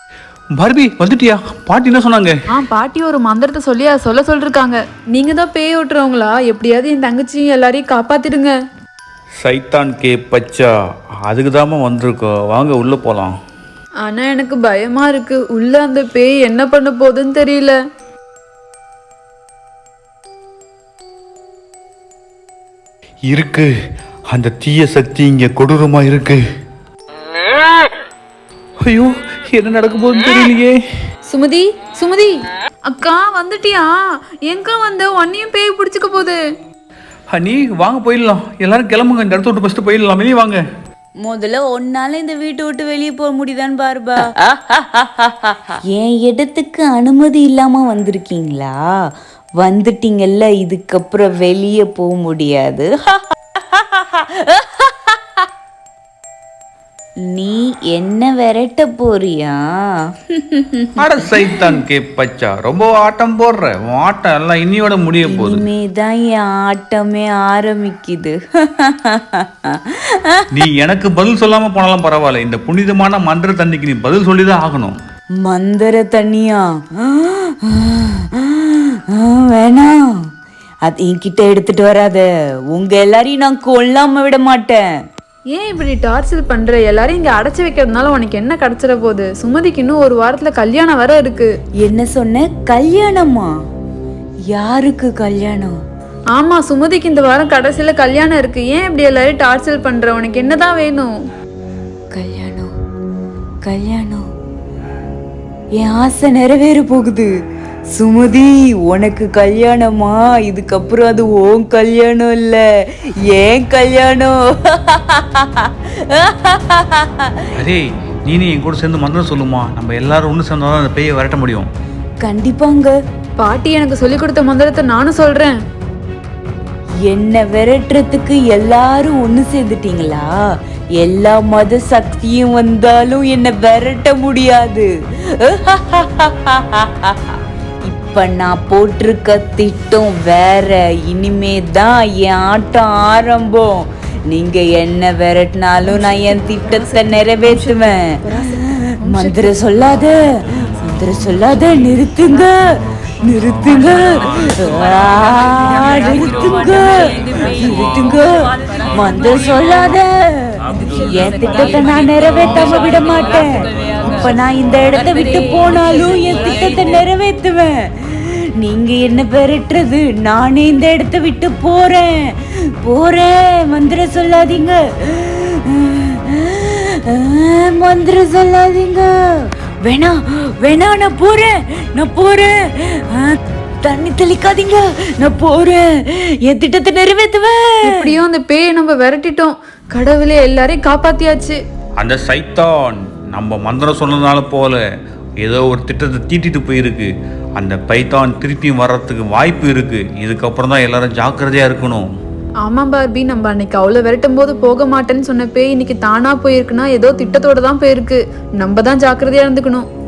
Barbie வந்துட்டியா? பாட்டி என்ன சொன்னாங்க? பாட்டி ஒரு மந்திரத்தை சொல்லி அதை சொல்லிருக்காங்க. நீங்க தான் பேய் ஓட்டுறவங்களா? எப்படியாவது என் தங்கச்சியும் எல்லாரையும் காப்பாத்திடுங்க. சைத்தான் கே பச்சா, அதுக்கு தாமா வந்திருக்கோம். வாங்க உள்ள போலாம். ஆனா எனக்கு பயமா இருக்கு. உள்ள அந்த பேய் என்ன பண்ண போகுதுன்னு தெரியல. இருக்கு, அந்த தீய சக்தி இங்க கொடூரமா இருக்கு. ஐயோ, என்ன நடக்க போகுதுன்னு தெரியலையே. சுமதி, சுமதி அக்கா வந்துட்டியா? எங்க வந்த? உன்னையும் பேய் பிடிச்சுக்க போகுது. நீ வாங்க போயிடலாம். எல்லாரும் கிளம்புங்க, இந்த இடத்த விட்டு ஃபர்ஸ்ட் போயிடலாம். வெளியே வாங்க. முதல்ல ஒன்னால இந்த வீட்டை விட்டு வெளியே போக முடியுதான்னு பாருபா. என் இடத்துக்கு அனுமதி இல்லாம வந்திருக்கீங்களா? வந்துட்டீங்கல்ல, இதுக்கப்புறம் வெளியே போக முடியாது. நீ என்ன விரட்ட போறியா? அட சைத்தான் கே பச்சா, ரொம்ப ஆட்டம் போடுற. ஆட்டம் எல்லாம் இன்னியோட முடிய போகுது. இனிமேதான் என் ஆட்டமே ஆரம்பிக்குது. நீ எனக்கு பதில் சொல்லாம போனாலும் பரவாயில்ல, இந்த புனிதமான மந்திர தண்ணிக்கு நீ பதில் சொல்லிதான் ஆகணும். மந்திர தண்ணியா? வேணாம், அது என்கிட்ட எடுத்துட்டு வராத. உங்க எல்லாரையும் நான் கொல்லாம விட மாட்டேன். ஏன் இப்படி டார்ச்சர் பண்ற? எல்லாரும் இங்க அடைச்சு வைக்கிறதுனால உனக்கு என்ன கிடைச்சிட போகுது? சுமதிக்கு இன்னும் ஒரு வாரத்துல கல்யாணம் வர இருக்கு. என்ன சொன்ன? கல்யாணமா? யாருக்கு கல்யாணம்? ஆமா, சுமதிக்கு இந்த வாரம் கடைசியில கல்யாணம் இருக்கு. ஏன் இப்படி எல்லாரும் டார்ச்சர் பண்ற? உனக்கு என்னதான் வேணும்? கல்யாணம், கல்யாணம். என் ஆசை நிறைவேற போகுது. சுமதி, உனக்கு கல்யாணமா? இதுக்கப்புறம் அது உன் கல்யாணம் இல்ல, ஏன் கல்யாணம். அரே, நீ என் கூட சேர்ந்து மந்திரம் சொல்லுமா? நம்ம எல்லாரும் ஒன்று சேர்ந்தாதான் அந்த பேயை விரட்ட முடியும். கண்டிப்பாங்க. பாட்டி எனக்கு சொல்லி கொடுத்த மந்திரத்தை நானும் சொல்றேன். என்ன விரட்டுறதுக்கு எல்லாரும் ஒண்ணு சேர்ந்துட்டீங்களா? எல்லா மத சக்தியும் வந்தாலும் என்ன விரட்ட முடியாது. இப்ப நான் போட்டிருக்க திட்டம் வேற. இனிமே தான் என் ஆட்டம் ஆரம்பம். நீங்க என்ன விரட்டினாலும் நான் என் திட்டத்தை நிறைவேற்றுவேன். மந்திரம் சொல்லாத, மந்திரம் சொல்லாத. நிறுத்துங்க, நிறுத்துங்க, நிறுத்துங்க, நிறுத்துங்க. மந்திரம் சொல்லாத. என் திட்டத்தை நான் நிறைவேற்றாம விட மாட்டேன். இப்ப நான் இந்த இடத்தை விட்டு போனாலும் என் திட்டத்தை நிறைவேற்றுவேன். நீங்க என்ன பெறட்டுறது? நானே இந்த இடத்தை விட்டு போறேன், போறேன். மந்திரம் சொல்லாதீங்க, மந்திரம் சொல்லாதீங்க. வேணாம், வேணாம், நான் போறேன், நான் போறேன். தண்ணி தெளிக்காதீங்க, நான் போறேன். என் திட்டத்தை நிறைவேற்றுவேன். எப்படியும் அந்த பேயை நம்ம விரட்டிட்டோம். கடவுளே, எல்லாரையும் காப்பாத்தியாச்சு. அந்த சைத்தான் நம்ம மந்திரம் சொன்னதுனால போல ஏதோ ஒரு திட்டத்தை தீட்டிட்டு போயிருக்கு. அந்த பைத்தான் திருப்பியும் வர்றதுக்கு வாய்ப்பு இருக்கு. இதுக்கப்புறம் தான் எல்லாரும் ஜாக்கிரதையா இருக்கணும். ஆமா பார்பி, நம்ம அன்னைக்கு அவ்வளவு விரட்டும் போது போக மாட்டேன்னு சொன்ன பேய் இன்னைக்கு தானா போயிருக்குன்னா ஏதோ திட்டத்தோட தான் போயிருக்கு. நம்ம தான் ஜாக்கிரதையா இருந்துக்கணும்.